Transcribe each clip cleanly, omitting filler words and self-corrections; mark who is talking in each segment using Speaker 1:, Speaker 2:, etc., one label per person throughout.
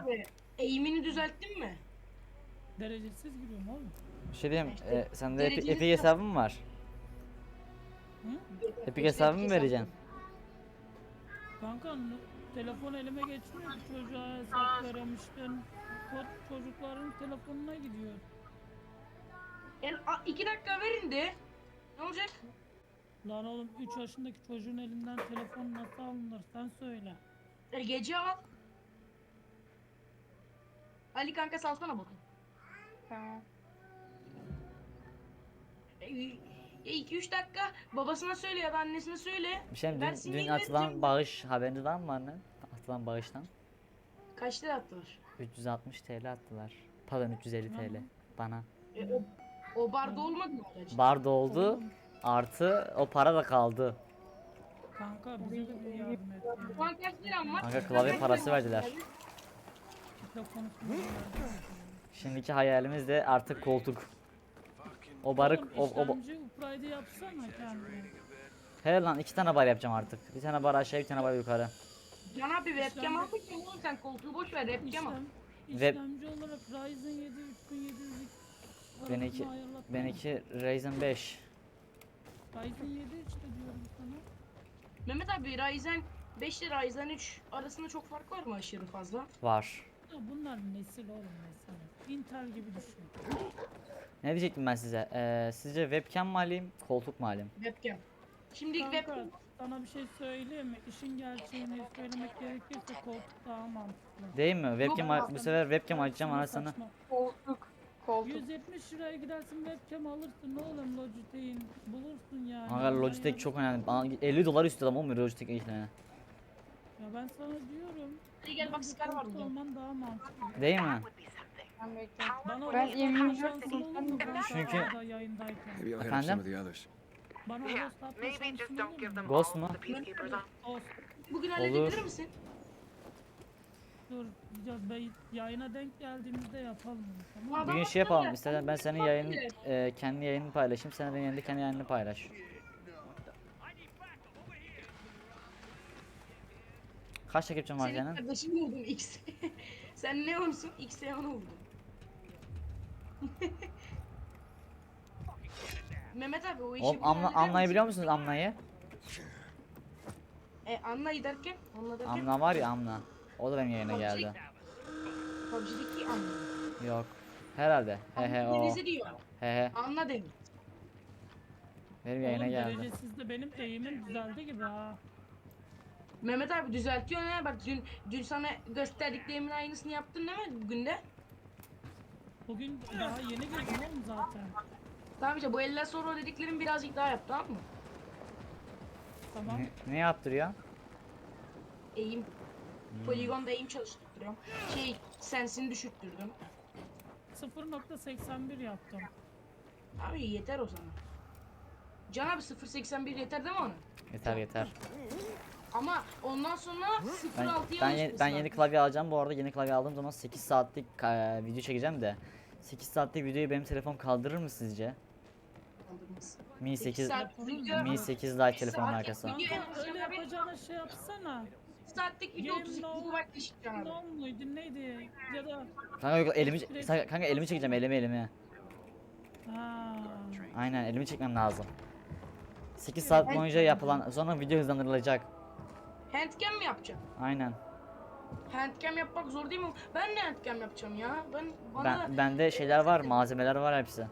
Speaker 1: abi eğimini düzelttin mi?
Speaker 2: Derecesiz giriyorum oğlum.
Speaker 3: Bir şey diyeyim,
Speaker 1: İşte
Speaker 3: sende
Speaker 1: dereceli
Speaker 3: Epic hesabı mı var?
Speaker 2: Hı?
Speaker 3: Epic hesabı mı vereceksin?
Speaker 2: Kanka telefon elime geçmiyor ki, çocuğa hesap veremiştin. Kod çocukların telefonuna gidiyor.
Speaker 1: 2 dakika verin de. Ne olacak?
Speaker 2: Lan oğlum 3 yaşındaki çocuğun elinden telefon nasıl alınır sen söyle.
Speaker 1: Gece al. Ali kanka salsana bakın.
Speaker 4: Tamam.
Speaker 1: 2-3 dakika babasına söyle ya da annesine söyle.
Speaker 3: Bir şey diyeyim,
Speaker 1: Versin
Speaker 3: dün
Speaker 1: yine
Speaker 3: atılan
Speaker 1: vereceğim.
Speaker 3: bağış haberiniz var mı anne? Atılan bağıştan.
Speaker 1: Kaç lira attılar?
Speaker 3: 360 TL attılar. Pardon 350 TL bana.
Speaker 1: O barda olmadı mı acaba?
Speaker 3: Bar doldu
Speaker 2: Oğlum.
Speaker 3: artı o para da kaldı.
Speaker 2: Kanka bize de bir yardım et ya.
Speaker 1: Şu an kaç liram var?
Speaker 3: Kanka klavye parası verdiler.
Speaker 2: Kitle konusunda yardım et.
Speaker 3: Şimdiki hayalimiz de artık koltuk. O barı
Speaker 2: Oğlum işlemci upgrade yapsana kendine.
Speaker 3: He lan 2 tane bar yapacağım artık. Bir tane bar aşağı bir tane bar yukarı.
Speaker 1: Can abi webcam
Speaker 2: İşlem-
Speaker 1: almışsın oğlum sen koltuğu boş ver webcam al.
Speaker 2: İşlemci olarak Ryzen 7 3700
Speaker 3: Benimki benimki Ryzen 5.
Speaker 2: Ryzen 7 işte diyorum sana.
Speaker 1: Mehmet abi Ryzen 5 ile Ryzen 3 arasında çok fark var mı aşırı fazla?
Speaker 3: Var.
Speaker 2: Ya bunlar nesil oğlum nesil. Intel gibi düşün.
Speaker 3: Ne diyecektim ben size? Sizce webcam mı alayım, koltuk mu alayım?
Speaker 1: Webcam. Şimdi
Speaker 2: Kanka
Speaker 1: webcam.
Speaker 2: sana bir şey söyleyeyim mi? İşin gerçeğini söylemek gerekirse koltuk daha mantıklı.
Speaker 3: Değil mi? Webcam
Speaker 1: Yok,
Speaker 3: bu sefer webcam açacağım
Speaker 2: Sana
Speaker 3: anasını.
Speaker 2: saçma.
Speaker 4: Koltuk. Koltuk.
Speaker 2: 170 liraya gidersin webcam alırsın oğlum, Logitech'in bulursun yani.
Speaker 3: Kanka Logitech çok önemli. Bana 50 dolar istiyor ama Logitech işte.
Speaker 2: Ya ben sana diyorum.
Speaker 1: Hadi gel bak
Speaker 2: bence
Speaker 1: Scar var
Speaker 2: koltuk
Speaker 1: burada.
Speaker 2: olman daha mantıklı.
Speaker 3: Değil mi?
Speaker 4: Ben bekliyorum.
Speaker 2: Bana
Speaker 4: Ben
Speaker 2: host
Speaker 4: M24
Speaker 2: atma şansın olur mu? Ben
Speaker 3: Çünkü-
Speaker 2: Scar'da yayındayken.
Speaker 5: Maybe I'll hit up
Speaker 3: Efendim?
Speaker 5: some of the others.
Speaker 2: Bana host atma
Speaker 6: Maybe just
Speaker 2: şansın
Speaker 6: don't
Speaker 2: olur
Speaker 6: give
Speaker 2: mu?
Speaker 6: them
Speaker 3: Ghost
Speaker 6: all
Speaker 3: mu?
Speaker 6: the peacekeepers on.
Speaker 2: Host.
Speaker 1: Bugün
Speaker 3: Olur.
Speaker 1: halledebilir misin?
Speaker 2: Dur ya, yayına denk geldiğimizde yapalım. Tamam mı?
Speaker 3: Bugün şey yapalım istersen ben senin yayın kendi yayınını paylaşayım. Sen benim kendi yayınını paylaş. Kaç takipçin var
Speaker 1: Senin
Speaker 3: senin?
Speaker 1: kardeşini vurdum X. Sen ne olsun? X'e onu vurdum. Mehmet abi o işi
Speaker 3: Oğlum
Speaker 1: bir halleder
Speaker 3: Amna'yı
Speaker 1: misin?
Speaker 3: biliyor musunuz Amna'yı?
Speaker 1: Anla derken? Anla derken?
Speaker 3: Amna var ya Amna. O da benim yayına geldi.
Speaker 1: PUBG'deki Anla.
Speaker 3: Yok. Herhalde. He he o.
Speaker 1: Denizi diyor.
Speaker 3: He he.
Speaker 1: Anla demiş.
Speaker 3: Benim yayına
Speaker 2: Oğlum
Speaker 3: geldi.
Speaker 2: derecesizde benim eğimim düzeldi gibi ha.
Speaker 1: Mehmet abi düzeltiyor ne? Bak dün sana gösterdiklerimin aynısını yaptın değil mi bugün de?
Speaker 2: Bugün daha yeni girdim oğlum zaten.
Speaker 1: Tamam işte bu eller sonra dediklerim birazcık daha yap tamam mı?
Speaker 2: Tamam.
Speaker 3: Ne yaptırıyor?
Speaker 1: Eğim. Poligonda eğim çalıştırıyorum. Sensini düşürttürdüm.
Speaker 2: 0.81 yaptım.
Speaker 1: Abi yeter o zaman. Can abi 0.81 yeter değil mi ona?
Speaker 3: Yeter yeter.
Speaker 1: Ama ondan sonra
Speaker 3: Ben
Speaker 1: 0.6'ya
Speaker 3: ben, ben yeni klavye alacağım. Bu arada yeni klavye aldığım zaman 8 saatlik video çekeceğim de 8 saatlik videoyu benim telefon kaldırır mı sizce? Mi 8 Mi 8 Lite telefonun arkası.
Speaker 2: Kanka öyle yapacağına şey yapsana.
Speaker 1: saatlik video
Speaker 2: Game
Speaker 1: 32
Speaker 2: no-
Speaker 1: GB eşit Can abi.
Speaker 2: Ne muydu neydi? Ya da
Speaker 3: Kanka yok kanka elimi çekeceğim elimi.
Speaker 2: ha.
Speaker 3: Aynen elimi çekmem lazım. 8 saat boyunca yapılan sonra video hızlandırılacak.
Speaker 1: Handcam mi yapacaksın?
Speaker 3: Aynen.
Speaker 1: Handcam yapmak zor değil mi? Ben de handcam yapacağım ya. Bana da
Speaker 3: Bende şeyler var, malzemeler var hepsi.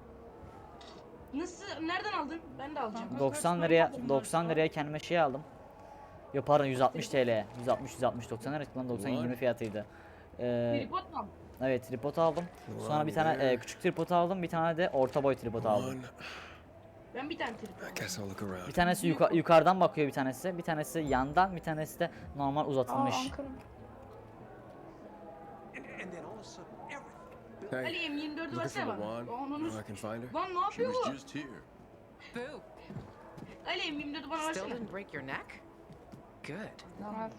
Speaker 1: nasıl nereden aldın? Ben de alacağım.
Speaker 2: Kanka,
Speaker 3: 90
Speaker 2: kaç
Speaker 3: liraya
Speaker 2: para
Speaker 3: 90
Speaker 2: var?
Speaker 3: liraya kendime şey aldım. Yok pardon 160 TL. 160 90 lira lan 90 20 fiyatıydı.
Speaker 1: Tripod mu aldın?
Speaker 3: Evet tripod aldım. Sonra bir tane küçük tripod aldım. Bir tane de orta boy tripod aldım.
Speaker 5: One.
Speaker 1: Ben bir tane tripod
Speaker 5: I
Speaker 1: aldım.
Speaker 5: guess I'll look around.
Speaker 3: Bir tanesi yukarıdan bakıyor bir tanesi. Bir tanesi yandan, bir tanesi de normal
Speaker 4: Aa,
Speaker 3: uzatılmış.
Speaker 4: Ankara.
Speaker 5: Hey,
Speaker 1: Ali M24'ü
Speaker 5: looking
Speaker 1: versene
Speaker 5: for
Speaker 1: bana.
Speaker 5: Luan?
Speaker 1: Onu
Speaker 5: Know I can find her?
Speaker 1: Lan ne
Speaker 7: She
Speaker 1: yapıyor
Speaker 7: was
Speaker 1: bu?
Speaker 7: just here.
Speaker 6: Boo.
Speaker 1: Ali M24'ü bana
Speaker 6: Still
Speaker 1: versene.
Speaker 6: didn't break your neck? Good.
Speaker 4: Tamam.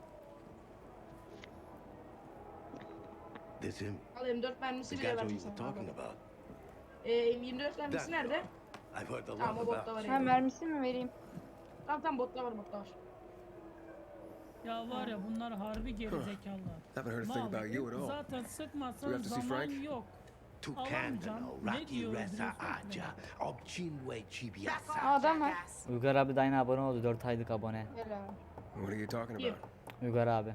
Speaker 7: This him.
Speaker 1: Al M4 mermisi
Speaker 7: The
Speaker 1: bile
Speaker 7: guy
Speaker 1: verdim
Speaker 7: you were
Speaker 1: sana.
Speaker 7: talking about.
Speaker 1: M24 mermisi
Speaker 7: That
Speaker 1: nerede?
Speaker 7: I've heard a lot
Speaker 1: Tamam o botta
Speaker 7: about.
Speaker 1: var
Speaker 4: Ha
Speaker 1: ya.
Speaker 4: mermisi mi vereyim?
Speaker 1: Tamam botta var botta var.
Speaker 2: Ya var ya bunlar harbi gerizekalılar.
Speaker 5: Haven't heard a thing
Speaker 2: Mal,
Speaker 5: about you at all.
Speaker 2: zaten
Speaker 5: We
Speaker 2: sıkmasan
Speaker 5: have to see
Speaker 2: zaman
Speaker 5: Frank?
Speaker 2: yok.
Speaker 7: Tukandano
Speaker 2: Ne
Speaker 7: raki
Speaker 2: diyor
Speaker 7: resa
Speaker 2: öldürüyorsun ki
Speaker 7: aja obchinwe
Speaker 4: Aa,
Speaker 7: chibiasa.
Speaker 4: adam var.
Speaker 3: Uygar abi de aynı abone oldu. 4 aylık abone.
Speaker 4: Helal.
Speaker 5: What are you talking
Speaker 1: Kim?
Speaker 5: about?
Speaker 3: Uygar abi.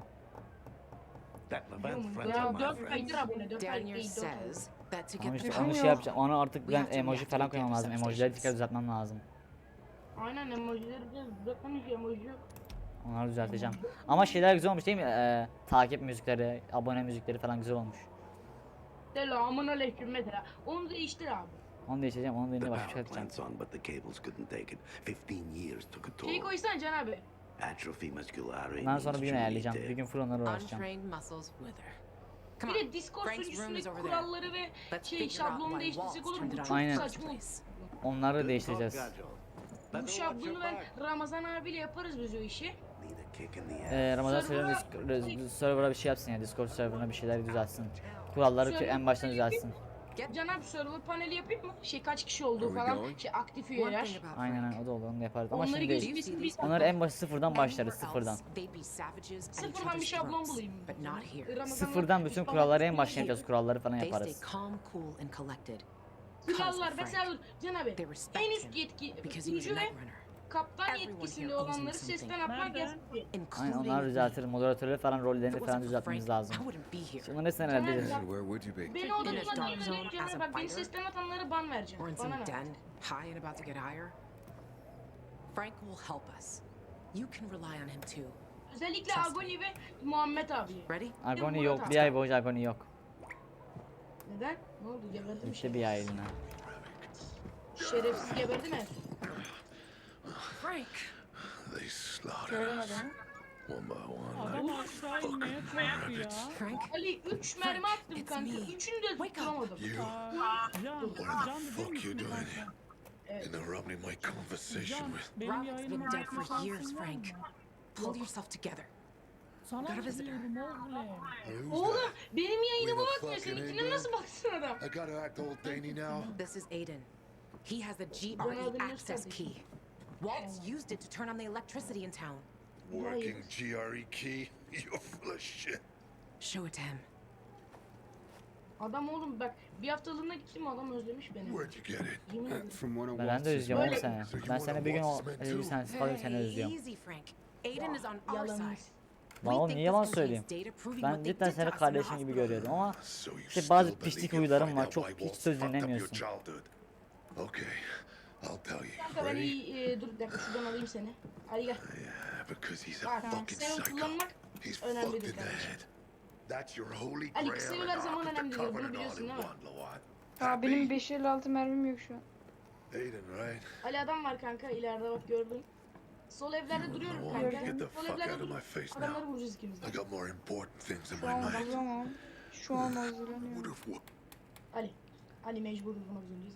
Speaker 7: That Levant
Speaker 1: Diyorum,
Speaker 7: friends
Speaker 1: ya
Speaker 7: of my
Speaker 1: 4
Speaker 7: friends.
Speaker 1: aydır abone, 4 ay
Speaker 6: Daniel
Speaker 1: değil, 4 ay.
Speaker 6: says that to
Speaker 3: Ama
Speaker 6: get the
Speaker 3: işte onu
Speaker 4: Yok.
Speaker 3: şey yapacağım. Onu artık
Speaker 6: We
Speaker 3: ben
Speaker 6: have to
Speaker 3: emoji
Speaker 6: react
Speaker 3: falan
Speaker 6: to
Speaker 3: koymam
Speaker 6: get
Speaker 3: lazım.
Speaker 6: the
Speaker 3: Emojileri tekrar
Speaker 6: substations.
Speaker 3: düzeltmem lazım.
Speaker 1: Aynen emojileri biraz bırakmamış, emoji yok.
Speaker 3: Onları düzelteceğim. Ama şeyler güzel olmuş değil mi? Takip müzikleri, abone müzikleri falan güzel olmuş.
Speaker 1: Selamun aleyküm mesela. Onu değiştir abi.
Speaker 3: Onu değiştireceğim. Onun
Speaker 7: The
Speaker 3: yerine başka bir şey
Speaker 7: power
Speaker 3: yapacağım.
Speaker 7: plant's on, but the cables couldn't take it. 15 years took a
Speaker 1: Şeyi
Speaker 7: toll.
Speaker 1: koysana Can abi.
Speaker 7: Atrophy musculare
Speaker 3: Ondan sonra bir gün
Speaker 7: means
Speaker 3: ayarlayacağım.
Speaker 7: truly
Speaker 3: Bir gün full onlara uğraşacağım.
Speaker 6: untrained muscles wither. Come
Speaker 1: Bir
Speaker 6: on.
Speaker 1: de Discord
Speaker 6: Frank's room is
Speaker 1: sunucusundaki
Speaker 6: over there.
Speaker 1: kuralları ve
Speaker 6: Let's
Speaker 1: şey
Speaker 6: figure out
Speaker 1: şablonu
Speaker 6: why
Speaker 1: değiştirsek olur
Speaker 6: Waltz
Speaker 1: mu? Bu
Speaker 6: turned it
Speaker 1: çok
Speaker 6: on
Speaker 3: Aynen.
Speaker 6: in the first
Speaker 1: saçma olur.
Speaker 6: place.
Speaker 3: Onları değiştireceğiz.
Speaker 1: Bu şablonu ben Ramazan abiyle yaparız biz o işi.
Speaker 7: Need a kick in the ass.
Speaker 3: Ramazan
Speaker 1: Server'a-
Speaker 3: server'a bir şey yapsın ya. Discord serverına bir şeyler düzeltsin. Kuralları en baştan düzeltsin.
Speaker 1: Can abi server paneli yapayım mı? Şey kaç kişi olduğu
Speaker 5: Are we
Speaker 1: falan.
Speaker 5: going?
Speaker 1: Şey aktif
Speaker 6: One
Speaker 1: üyeler.
Speaker 6: thing about
Speaker 3: Aynen
Speaker 6: Frank.
Speaker 3: o da olur. Onu yaparız. Ama
Speaker 1: Onları
Speaker 3: şimdi
Speaker 6: Do you
Speaker 3: değil.
Speaker 6: see
Speaker 1: gözükmesin
Speaker 6: these
Speaker 1: biz.
Speaker 3: Onları en başı sıfırdan başlarız.
Speaker 6: Anywhere
Speaker 3: Sıfırdan.
Speaker 6: else, they'd be savages at each
Speaker 1: Sıfırdan bir
Speaker 6: other's
Speaker 1: şablon
Speaker 6: throats,
Speaker 1: bulayım.
Speaker 6: but not here.
Speaker 1: Ramazan'la
Speaker 3: Sıfırdan bütün
Speaker 1: Mustafa
Speaker 3: kuralları en
Speaker 1: Kemal'in
Speaker 3: baştan yapacağız. Kuralları falan
Speaker 6: They stay
Speaker 3: yaparız.
Speaker 6: calm, cool, and collected. Because
Speaker 1: Kurallar
Speaker 6: of
Speaker 1: mesela
Speaker 6: Frank.
Speaker 1: Can abi
Speaker 6: They respect
Speaker 1: en üst
Speaker 6: him
Speaker 1: yetki
Speaker 6: because he was a
Speaker 1: sunucu ve
Speaker 6: night runner,
Speaker 1: kaptan
Speaker 6: Everyone
Speaker 1: yetkisinde
Speaker 6: here owes him
Speaker 1: olanları
Speaker 6: something.
Speaker 1: sesten atmak
Speaker 2: Nerede?
Speaker 1: yasak.
Speaker 3: Aynen
Speaker 6: including
Speaker 3: onları
Speaker 6: me.
Speaker 3: düzeltiriz. Moderatörleri falan
Speaker 6: If
Speaker 3: rollerini
Speaker 6: it
Speaker 3: falan
Speaker 6: wasn't for
Speaker 3: düzeltmemiz
Speaker 6: Frank,
Speaker 3: lazım.
Speaker 6: I wouldn't be here.
Speaker 3: Bunları neyse hallederiz.
Speaker 5: And where would you be?
Speaker 1: Beni
Speaker 6: In a
Speaker 1: odunla
Speaker 6: dark
Speaker 1: değil
Speaker 6: zone
Speaker 1: Can
Speaker 6: as a
Speaker 1: bak beni
Speaker 6: fighter?
Speaker 1: sesten atanlara ban
Speaker 6: Or
Speaker 1: vereceğim.
Speaker 6: in
Speaker 1: Bana
Speaker 6: some
Speaker 1: ne?
Speaker 6: den, high and about to get higher. Frank will help us. You can rely on him too.
Speaker 1: Özellikle
Speaker 6: Trust
Speaker 1: Agoni ve Muhammed abi.
Speaker 6: Ready?
Speaker 3: Agoni yok. Bir ay boyunca Agoni yok.
Speaker 1: Neden? Ne oldu? Geberdi mi?
Speaker 3: İşte bir ay eline.
Speaker 1: Şerefsiz geberdi mi?
Speaker 6: Frank.
Speaker 7: They slaughtered
Speaker 4: Göremedim.
Speaker 7: one by one.
Speaker 2: Adam aşağı inmeye korktu ya.
Speaker 6: Frank.
Speaker 1: Ali 3 mermi attım
Speaker 6: it's
Speaker 1: kanka.
Speaker 6: me.
Speaker 1: 3'ünü de
Speaker 6: Wake up.
Speaker 1: tutturamadım.
Speaker 2: Can
Speaker 7: fuck
Speaker 2: değil
Speaker 7: you
Speaker 2: misin
Speaker 7: doing?
Speaker 2: kanka?
Speaker 7: Interrupting my conversation
Speaker 2: Can,
Speaker 7: with.
Speaker 2: benim
Speaker 6: Rob's
Speaker 2: yayınıma
Speaker 6: been dead
Speaker 2: bakma
Speaker 6: for years,
Speaker 2: şansın var
Speaker 6: Frank.
Speaker 2: mı?
Speaker 6: Pull yourself together.
Speaker 2: Sana
Speaker 6: Got a visitor.
Speaker 2: diyorum oğlum.
Speaker 1: Oğlum benim yayınıma
Speaker 8: We the
Speaker 1: bakmıyor.
Speaker 8: fucking
Speaker 1: Seninkine
Speaker 8: England?
Speaker 1: nasıl baksın adam?
Speaker 8: I gotta act old Danny now.
Speaker 6: This is Aiden. He has the
Speaker 1: Ronaldinho's
Speaker 6: GRE access
Speaker 1: kardeşim.
Speaker 6: key. Waltz used it to turn on the electricity in town.
Speaker 8: Working GRE key? You're full of shit.
Speaker 6: Show it to him.
Speaker 1: Adam oğlum bak bir haftalığına gittim adam özlemiş beni.
Speaker 8: Where'd you get it?
Speaker 1: Yemin ederim.
Speaker 5: From one of
Speaker 3: Ben de
Speaker 5: Waltz's
Speaker 3: özlüyorum oğlum
Speaker 1: Böyle-
Speaker 3: seni.
Speaker 8: So you
Speaker 3: Ben
Speaker 8: wanna
Speaker 3: seni bir gün
Speaker 8: watch this man
Speaker 3: bir
Speaker 8: too?
Speaker 3: sensiz kalayım seni özlüyorum.
Speaker 6: Easy, Frank. Aiden is on our
Speaker 1: Yalan.
Speaker 6: side.
Speaker 3: Lan
Speaker 6: We
Speaker 3: oğlum
Speaker 6: think
Speaker 3: niye
Speaker 6: this
Speaker 3: yalan
Speaker 6: contains
Speaker 3: söyleyeyim?
Speaker 6: data proving
Speaker 3: Ben
Speaker 6: what they
Speaker 3: cidden
Speaker 6: did
Speaker 3: seni
Speaker 6: to us in the
Speaker 3: kardeşin gibi
Speaker 6: hospital.
Speaker 3: görüyorum ama
Speaker 8: So you
Speaker 3: İşte
Speaker 8: still
Speaker 3: bazı
Speaker 8: believe
Speaker 3: pislik
Speaker 8: you'll
Speaker 3: huylarım
Speaker 8: find
Speaker 3: var.
Speaker 8: out
Speaker 3: Çok
Speaker 8: why
Speaker 3: hiç
Speaker 8: Waltz
Speaker 3: söz
Speaker 8: fucked up your
Speaker 3: dinlemiyorsun.
Speaker 8: childhood? Okay, I'll tell you.
Speaker 1: Kanka ben
Speaker 8: Ready?
Speaker 1: iyi dur bir dakika şuradan alayım seni. Ali gel.
Speaker 8: Yeah, because he's a
Speaker 1: Bak
Speaker 8: fucking
Speaker 1: seni
Speaker 8: psycho.
Speaker 1: kullanmak
Speaker 8: He's
Speaker 1: önemli
Speaker 8: fucked
Speaker 1: değil
Speaker 8: in the
Speaker 1: kardeşim.
Speaker 8: head. That's your holy
Speaker 1: Ali,
Speaker 8: grail
Speaker 1: kısa
Speaker 8: and
Speaker 1: yollar
Speaker 8: Ark
Speaker 1: zaman
Speaker 8: of the
Speaker 1: önemli değil, bunu
Speaker 8: Covenant all
Speaker 1: biliyorsun
Speaker 8: in
Speaker 1: değil mi?
Speaker 8: one, Lawan.
Speaker 4: Aa, benim
Speaker 8: Happy?
Speaker 4: 556 mermim yok şu an.
Speaker 8: Aiden, right?
Speaker 1: Ali adam var kanka ileride bak gördün. Sol evlerde duruyorum
Speaker 8: Lawan,
Speaker 1: kanka.
Speaker 8: get the
Speaker 1: Sol
Speaker 8: fuck
Speaker 1: evlerde
Speaker 8: out of my
Speaker 1: durup
Speaker 8: face
Speaker 1: adamları
Speaker 8: now.
Speaker 1: vuracağız ikimiz de.
Speaker 8: I got more important things in
Speaker 4: Şu
Speaker 8: my
Speaker 4: an
Speaker 8: mind.
Speaker 4: hazırlamam. Şu an
Speaker 8: Would
Speaker 4: hazırlanıyorum.
Speaker 8: have whooped.
Speaker 1: Ali mecbur vurmak zorundayız.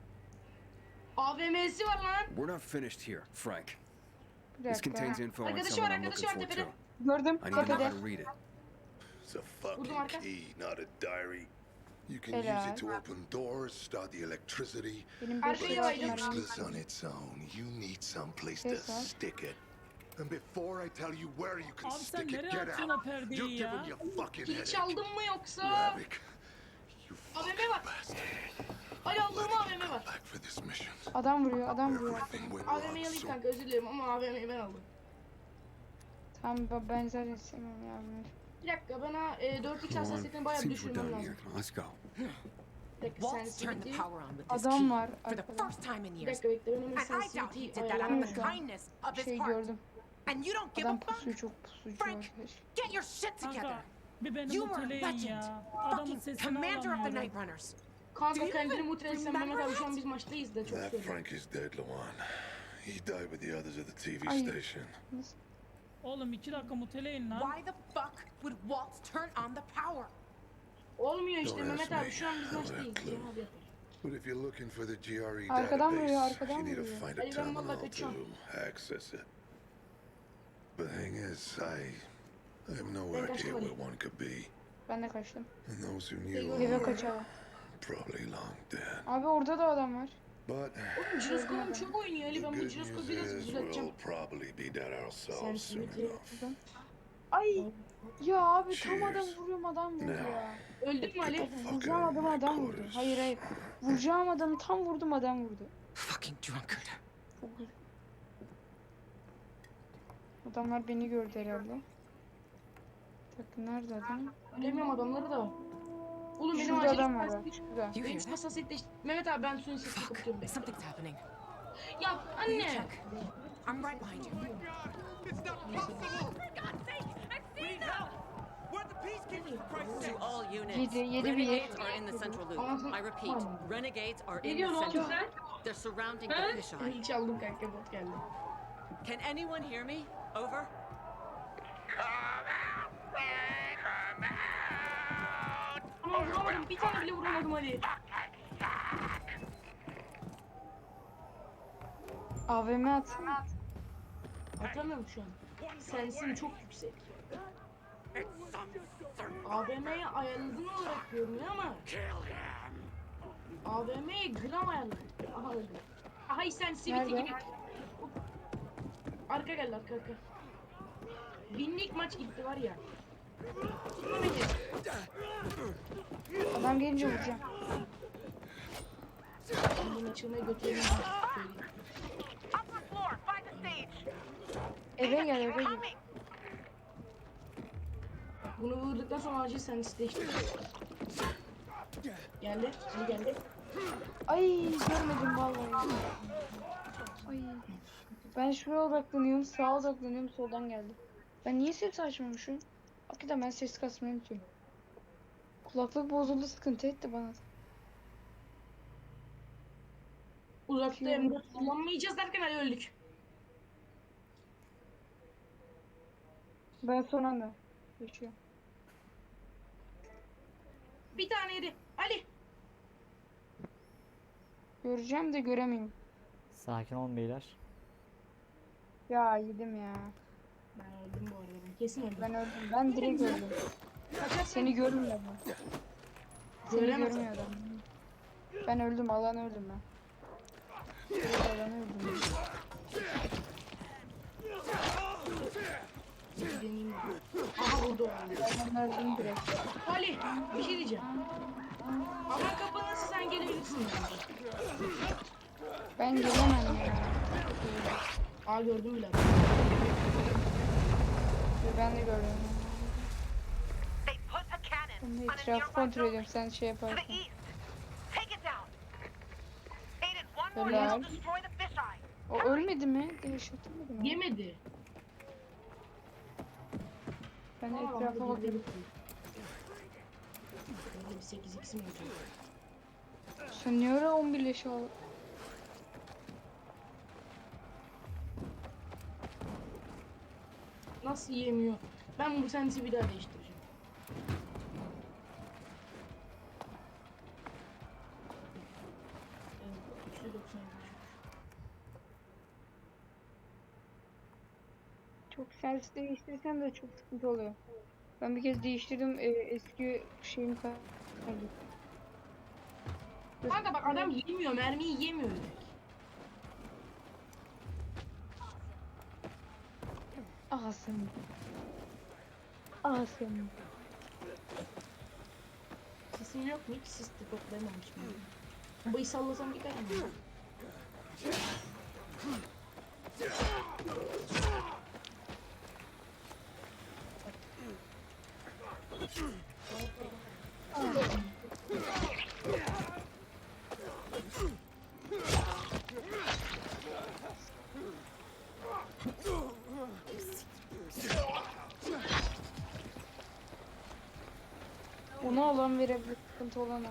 Speaker 1: AVM'si var lan.
Speaker 5: We're not finished here, Frank.
Speaker 4: Bir
Speaker 5: This
Speaker 4: dakika.
Speaker 5: contains info on
Speaker 1: Arkadaşı
Speaker 5: someone
Speaker 1: var,
Speaker 5: I'm
Speaker 1: arkadaşı
Speaker 5: looking
Speaker 1: var
Speaker 5: for
Speaker 1: tepede.
Speaker 5: too.
Speaker 4: Gördüm.
Speaker 5: I need to know
Speaker 4: Tepede.
Speaker 5: how to read it.
Speaker 8: It's a fucking
Speaker 1: marka.
Speaker 8: key, not a diary. You can use
Speaker 4: Helal.
Speaker 8: it to open doors, start the electricity,
Speaker 4: Benim
Speaker 1: Arkaya
Speaker 8: but
Speaker 4: 556
Speaker 1: baydım.
Speaker 8: it's
Speaker 4: mermim
Speaker 8: useless on its own. You need some place to
Speaker 4: Yes, sir.
Speaker 8: stick it. And before I tell you where you can
Speaker 2: Abi sen
Speaker 8: stick it,
Speaker 2: nereye
Speaker 8: get
Speaker 2: atıyorsun
Speaker 8: out.
Speaker 2: o perdeyi
Speaker 8: You're
Speaker 2: ya?
Speaker 8: giving your fucking
Speaker 1: Kili
Speaker 8: headache.
Speaker 1: çaldın mı yoksa?
Speaker 8: Havoc. You
Speaker 1: AVM
Speaker 8: fucking
Speaker 1: var.
Speaker 8: bastard.
Speaker 1: Ali Allah'ım AVM var.
Speaker 8: Back for this mission.
Speaker 4: Adam vuruyor, adam vuruyor.
Speaker 8: Everything went
Speaker 1: AVM'yi
Speaker 8: wrong
Speaker 1: alayım
Speaker 8: so
Speaker 1: kanka özür dilerim ama AVM'yi ben aldım.
Speaker 4: Tamam ben zaten istemiyorum yardım.
Speaker 1: Bir dakika bana 4x
Speaker 5: Come
Speaker 1: hassasiyetini
Speaker 5: on.
Speaker 1: bayağı
Speaker 5: Seems we're
Speaker 1: düşürmem
Speaker 5: done here.
Speaker 1: lazım.
Speaker 5: Let's go.
Speaker 1: Bir dakika
Speaker 6: Waltz turned the
Speaker 1: sensitivity.
Speaker 6: power on with this
Speaker 4: Adam
Speaker 6: key
Speaker 4: var
Speaker 6: for the
Speaker 4: arkada.
Speaker 6: first time in
Speaker 1: Bir
Speaker 6: years.
Speaker 1: dakika bekle ben hemen
Speaker 6: And I doubt he
Speaker 1: sensitivity
Speaker 6: did that out of
Speaker 1: ayarlamam
Speaker 6: the
Speaker 1: lazım.
Speaker 6: kindness of his
Speaker 4: Şey
Speaker 6: heart.
Speaker 4: gördüm.
Speaker 6: And you don't give a
Speaker 4: Adam
Speaker 6: fuck?
Speaker 4: pusuyor, çok pusucu
Speaker 6: Frank,
Speaker 4: arkadaş.
Speaker 6: get your shit together.
Speaker 2: Kanka bir benim
Speaker 6: You were a
Speaker 2: muteleyin
Speaker 6: legend.
Speaker 2: ya. Adamın
Speaker 6: Fucking
Speaker 2: sesini
Speaker 6: commander of the
Speaker 2: alamıyorum.
Speaker 6: Night Runners.
Speaker 1: Kanka
Speaker 6: Do you
Speaker 1: kendini
Speaker 6: even
Speaker 1: mutlu etsen Mehmet
Speaker 6: remember
Speaker 1: abi şu an
Speaker 6: that?
Speaker 1: biz maçtayız da çok
Speaker 8: That
Speaker 1: söylüyorum.
Speaker 8: Frank is dead, Lawan. He died with the others at the TV
Speaker 4: Ay.
Speaker 8: station.
Speaker 2: Oğlum 2 dakika muteleyin lan.
Speaker 6: Why the fuck would Waltz turn on the power?
Speaker 1: Olmuyor işte
Speaker 8: Don't
Speaker 1: Mehmet
Speaker 8: ask
Speaker 1: abi
Speaker 8: me.
Speaker 1: şu an biz
Speaker 8: I don't
Speaker 1: maçtayız.
Speaker 8: have a clue.
Speaker 1: Cihan abi yapar.
Speaker 8: But if you're looking for the GRE
Speaker 4: Arkadan vuruyor,
Speaker 8: database,
Speaker 4: arkadan
Speaker 8: you need to
Speaker 4: vuruyor.
Speaker 8: find a
Speaker 1: Ali, ben valla
Speaker 8: terminal to
Speaker 1: kaçıyorum.
Speaker 8: access it. The thing is, I have no
Speaker 1: Ben
Speaker 8: idea
Speaker 1: kaçtım
Speaker 8: where
Speaker 1: Ali.
Speaker 8: one could be.
Speaker 4: Ben de kaçtım.
Speaker 8: And those who
Speaker 1: Eve
Speaker 8: knew
Speaker 4: Eve
Speaker 8: are
Speaker 4: kaçalım.
Speaker 8: probably long dead.
Speaker 4: Abi orada da adam var.
Speaker 8: But
Speaker 1: Oğlum Jiroskop'um çok oynuyor Ali
Speaker 8: the
Speaker 1: ben bu
Speaker 8: good
Speaker 1: Jiroskop'u
Speaker 8: news
Speaker 1: biraz
Speaker 8: is
Speaker 1: düzelteceğim.
Speaker 8: we'll probably be dead ourselves soon
Speaker 1: Sensitivity.
Speaker 8: enough.
Speaker 4: Ay. Ya abi tam adam
Speaker 7: Cheers.
Speaker 4: vuruyorum adam vurdu ya.
Speaker 1: Öldün mü Ali?
Speaker 4: Vuracağım adamı adam vurdu. Hayır hayır. Vuracağım adamı tam vurdum adam vurdu.
Speaker 6: Fucking drunkard.
Speaker 4: Çok üzüldüm. Adamlar beni gördü herhalde. Bakın nerede adam?
Speaker 1: Bilemiyorum adamları da. Oğlum benim
Speaker 4: Şurada
Speaker 1: acil
Speaker 4: adam var bak.
Speaker 1: sesli-
Speaker 4: Şurada.
Speaker 6: You
Speaker 1: Benim
Speaker 6: hear that?
Speaker 1: hassasiyetleş... Mehmet abi ben suyun sesini kapatıyorum. bekle.
Speaker 6: Something's happening.
Speaker 1: Ya
Speaker 6: Will you
Speaker 1: anne.
Speaker 6: check? I'm right behind you.
Speaker 9: To all units,
Speaker 4: Yedi bir
Speaker 9: renegades are in the central loop.
Speaker 1: Anasını-
Speaker 9: I repeat,
Speaker 1: Tamam.
Speaker 9: renegades are
Speaker 1: Ne
Speaker 9: in the
Speaker 1: diyorsun oğlum
Speaker 9: central.
Speaker 1: sen?
Speaker 9: They're surrounding
Speaker 1: Ha?
Speaker 9: the fisheye.
Speaker 1: Hiç aldım kanka bot geldi.
Speaker 9: Can anyone hear me? Over.
Speaker 1: Ama vuramadım. Bir tane bile vuramadım Ali.
Speaker 4: AVM atsana.
Speaker 1: Atamıyorum şu an. Sensin çok yüksek. AVM'yi ayarladın olarak görünüyor ama AVM'yi gram ayarladım. Aha öldü. Aha sen siviti
Speaker 4: Nerede?
Speaker 1: gibi. Arka geldi arka arka. Binlik maç gitti var ya. Tutma beni.
Speaker 4: Adam gelince vuracağım.
Speaker 1: Bunu açılmaya götürelim.
Speaker 4: Eve gel eve gel.
Speaker 1: Bunu vurduktan sonra acil sen isteştir. Geldi. Şimdi geldi.
Speaker 4: Ay görmedim vallahi. Ay. Ben şuraya odaklanıyorum, sağa odaklanıyorum, soldan geldi. Ben niye ses açmamışım? Hakikaten ben ses kasmayı unutuyorum. Kulaklık bozuldu, sıkıntı etti bana.
Speaker 1: Uzakta M4 kullanmayacağız derken Ali öldük.
Speaker 4: Ben son anda yaşıyorum.
Speaker 1: Bir tane yedi. Ali.
Speaker 4: Göreceğim de göremeyim.
Speaker 3: Sakin olun beyler.
Speaker 4: Ya yedim ya.
Speaker 1: Ben öldüm bu arada. Ben kesin öldüm.
Speaker 4: Ben öldüm. Ben direkt öldüm.
Speaker 1: Kaçar
Speaker 4: Seni görmüyor mu? Seni
Speaker 1: Göremez.
Speaker 4: görmüyor adam. Ben öldüm, alan öldüm ben. Evet, alan öldüm.
Speaker 1: deneyeyim. Aha vurdu.
Speaker 4: Ben öldüm direkt.
Speaker 1: Ali bir şey diyeceğim. Ama kapanırsa sen gelebilirsin bence.
Speaker 4: Ben gelemem ya.
Speaker 1: Aa gördüm bile.
Speaker 4: Ben de gördüm. Ben de etrafı kontrol ediyorum, sen şey yaparsın. Helal. O ölmedi mi? Yaşatılmadı mı?
Speaker 1: Yemedi.
Speaker 4: Ben de
Speaker 1: Aa,
Speaker 4: etrafa
Speaker 1: bu
Speaker 4: bakıyorum.
Speaker 1: Böyle bir 8x mi olacak?
Speaker 4: Sen niye öyle 11 leşi al?
Speaker 1: Nasıl yemiyor? Ben bu sensi bir daha değiştireceğim. Evet, 390
Speaker 4: Çok sens değiştirsem de çok sıkıntı oluyor. Ben bir kez değiştirdim, eski şeyimi kaybettim.
Speaker 1: Kanka bak adam yemiyor, mermiyi yemiyor direkt.
Speaker 4: Awesome. Awesome.
Speaker 1: Sesim yok mu? Hiç sis de toplayamamışım. Bombayı sallasam gider mi?
Speaker 4: Ona alan verebilir, sıkıntı olan o.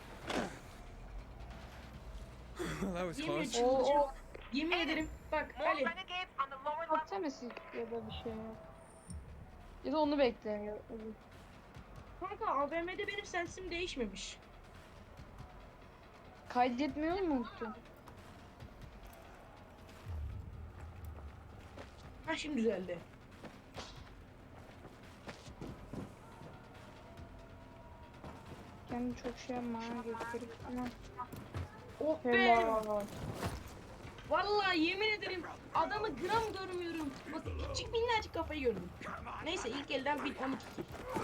Speaker 5: That was
Speaker 1: Yemiyor,
Speaker 5: close.
Speaker 1: çıldıracağım. Yemin ederim. Bak Ali.
Speaker 4: Atlaması ya da bir şey yok. Ya da onu bekle. Ya.
Speaker 1: Kanka AVM'de benim sensim değişmemiş.
Speaker 4: Kaydetmeyi mu unuttun?
Speaker 1: Ha şimdi düzeldi.
Speaker 4: Kendimi çok şey yapma, ha, gösterip tamam.
Speaker 1: Oh be!
Speaker 4: Helal.
Speaker 1: Vallahi yemin ederim adamı gram görmüyorum. Bak küçük minnacık kafayı gördüm. Neyse ilk elden bir 12 kill.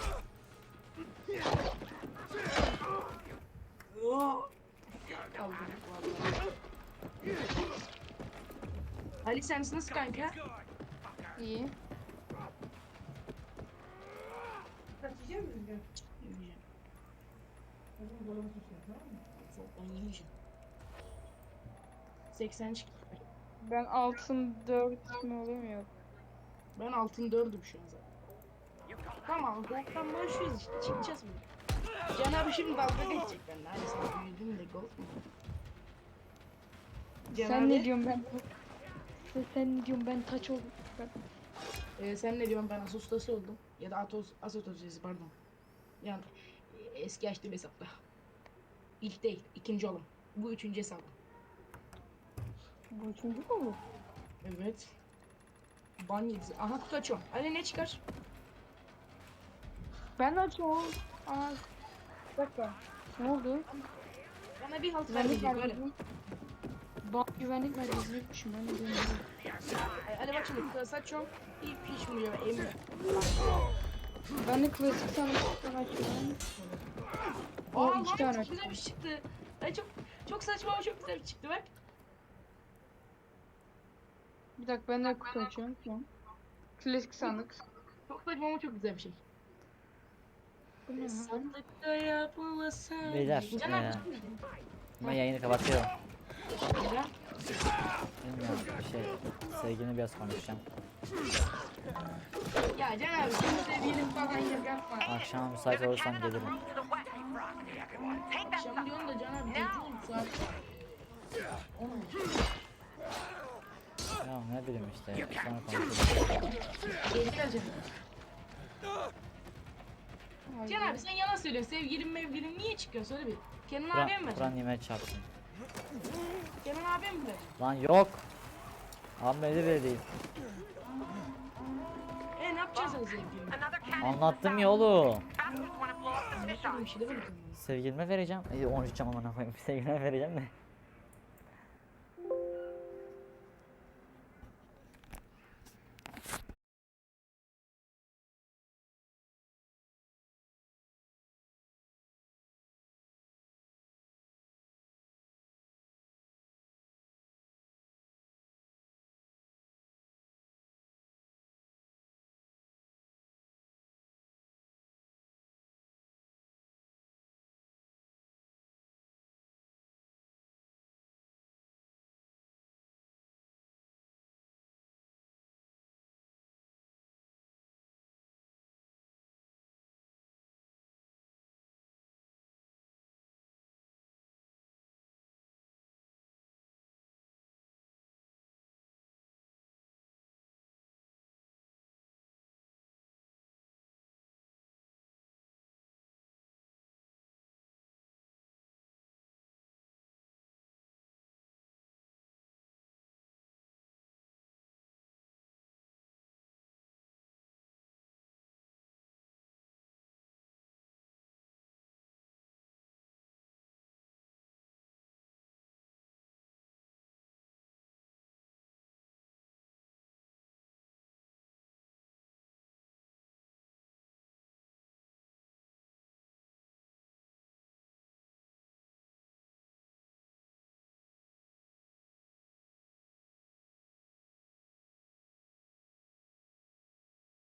Speaker 1: Oh. Kaldım vallahi. Ali sen nasıl kanka?
Speaker 4: İyi.
Speaker 1: Yemeyeceğim. Ben yemeyeceğim. 80 çıktı.
Speaker 4: Ben altın 4 mü olamıyor?
Speaker 1: Ben altın 4'üm şu an zaten. Tamam, golf'tan başlıyoruz işte. Çıkacağız mı? Can abi şimdi dalga geçecek benimle. Hani sen büyüdün de golf mu? Can
Speaker 4: Sen
Speaker 1: abi,
Speaker 4: ne diyorsun ben? Sen ne diyorsun ben taç oldum.
Speaker 1: sen ne diyorsun ben Asostası oldum. Ya da Asostası pardon. Yani eski açtığım hesapta. İlk değil, ikinci oğlum. Bu üçüncü hesabım.
Speaker 4: Bu üçüncü mü bu?
Speaker 1: Evet. Ban yedisi. Aha kutu açıyorum. Ali ne çıkar?
Speaker 4: Ben açıyorum. Aa. Bir dakika. Ne oldu?
Speaker 1: Bana bir halt
Speaker 4: Güvenlik
Speaker 1: vermeyecek böyle.
Speaker 4: merkezi. Bak güvenlik merkezine gitmişim ben de bilmiyorum.
Speaker 1: Hadi bak şimdi kutu açıyorum. Hiç vuruyor, emiyor.
Speaker 4: Ben de klasik sanatçıdan açıyorum.
Speaker 1: Aa
Speaker 4: O
Speaker 1: lan
Speaker 4: iki tane
Speaker 1: çok güzel bir şey çıktı. Ay çok saçma ama çok güzel bir şey çıktı bak.
Speaker 4: Bir dakika ben de kutu açıyorum şu an. Klasik sandık.
Speaker 1: Çok saçma ama çok güzel bir şey.
Speaker 4: Bu ne lan?
Speaker 1: Sandıkta yapılasa.
Speaker 3: Beyler,
Speaker 1: Can abi,
Speaker 3: ben yayını kapatıyorum.
Speaker 1: Neden?
Speaker 3: Bilmiyorum bir şey. Sevgilimle biraz konuşacağım.
Speaker 1: Ya Can abi şimdi sevgilim falan yapma.
Speaker 3: Akşam müsait olursam gelirim.
Speaker 1: Akşam diyorsun da Can abi gece oldu saat. 11.
Speaker 3: Ya ne bileyim işte. Sonra konuşuruz.
Speaker 1: Gel Can.
Speaker 4: Ay,
Speaker 1: Can abi sen yalan söylüyorsun. Sevgilim mevgilim niye çıkıyor söyle bir. Kenan
Speaker 3: Kur'an,
Speaker 1: abiye mi
Speaker 3: Kur'an
Speaker 1: vereceksin?
Speaker 3: yemeğe çarpsın.
Speaker 1: Kenan abiye mi vereceksin?
Speaker 3: Lan yok. Abi öyle bile değil.
Speaker 1: Ne yapacaksın sen sevgilime?
Speaker 3: Anlattım ya oğlum.
Speaker 1: Anlatmadığım bir şey demedim.
Speaker 3: Sevgilime vereceğim. 13 cam amına koyayım. Sevgilime vereceğim de.